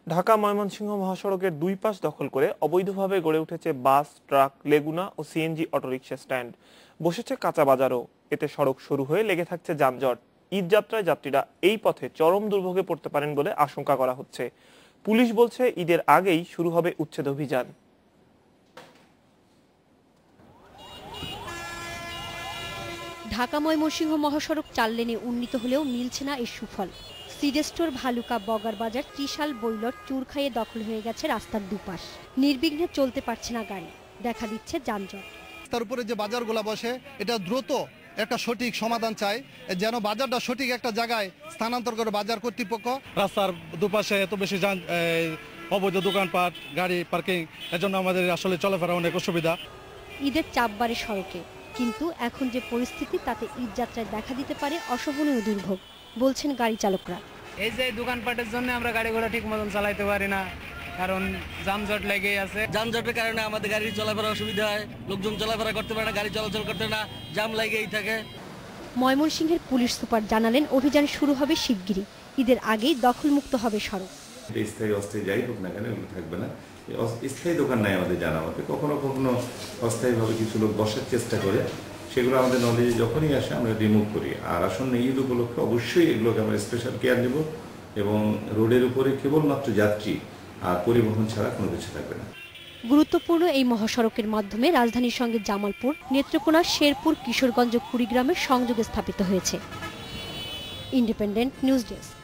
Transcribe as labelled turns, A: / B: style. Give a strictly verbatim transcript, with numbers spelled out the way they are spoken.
A: ঢাকা ময়মনসিংহ মহাসড়কের দুই পাশ দখল করে অবৈধভাবে গড়ে উঠেছে বাস, ট্রাক, লেগুনা ও সিএনজি অটোরিকশা স্ট্যান্ড। বসেছে কাঁচা বাজারও। এতে সড়ক শুরু হয়ে লেগে থাকছে যানজট। ঈদ যাত্রায় যাত্রীরা এই পথে চরম দুর্ভোগে পড়তে পারেন বলে আশঙ্কা করা হচ্ছে। পুলিশ বলছে ঈদের আগেই শুরু হবে উচ্ছেদ অভিযান।
B: ঢাকা ময়মনসিংহ মহাসড়ক চার লেনে উন্নীত হলেও মিলছে না এর সুফল। সিডেস্টোর, ভালুকা, বগার বাজার, ত্রিশাল, বৈলট, চুরখাইয়ে দখল হয়ে গেছে রাস্তার দুপাশ। নির্বিঘ্নে চলতে পারছে না গাড়ি, দেখা দিচ্ছে যানজট।
C: তার উপরে যে বাজারগুলো বসে এটা দ্রুত একটা সঠিক সমাধান চাই, যেন বাজারটা সঠিক একটা জায়গায় স্থানান্তর করে বাজার কর্তৃপক্ষ।
D: রাস্তার দুপাশে এত বেশি যান, অবৈধ দোকানপাট, গাড়ি পার্কিং, এজন্য আমাদের আসলে চলাফেরা অনেক অসুবিধা।
B: ঈদের চাপ বাড়ে সড়কে, কিন্তু এখন যে পরিস্থিতি তাতে ঈদ যাত্রায় দেখা দিতে পারে অসহনীয় দুর্ভোগ, বলছেন গাড়ি চালকরা।
E: এই যে দোকানপাটের জন্য আমরা গাড়ি ঘোড়া ঠিক মতন চালাইতে পারি না, কারণ যানজট লেগেই আছে।
F: যানজটের কারণে আমাদের গাড়ি চলাফেরা অসুবিধা হয়, লোকজন চলাফেরা করতে পারে না, গাড়ি চলাচল করতে না, জাম লেগেই থাকে।
B: ময়মনসিংহের পুলিশ সুপার জানালেন অভিযান শুরু হবে শিগগিরই। ঈদের আগেই দখলমুক্ত হবে সড়ক।
G: স্থায়ী অস্থায়ী যাই হোক না কেন এগুলো থাকবে না। স্থায়ী দোকান নাই আমাদের জানা মতে, কখনো কখনো অস্থায়ীভাবে কিছু লোক বসার চেষ্টা করে, সেগুলো আমাদের নলেজে যখনই আসে আমরা রিমুভ করি। আর আসন্ন ঈদ উপলক্ষে অবশ্যই এগুলোকে আমরা স্পেশাল কেয়ার নেব এবং রোডের উপরে কেবলমাত্র যাত্রী আর পরিবহন ছাড়া কোনো কিছু থাকবে না।
B: গুরুত্বপূর্ণ এই মহাসড়কের মাধ্যমে রাজধানীর সঙ্গে জামালপুর, নেত্রকোনা, শেরপুর, কিশোরগঞ্জ, কুড়িগ্রামের সংযোগ স্থাপিত হয়েছে। Independent news desk.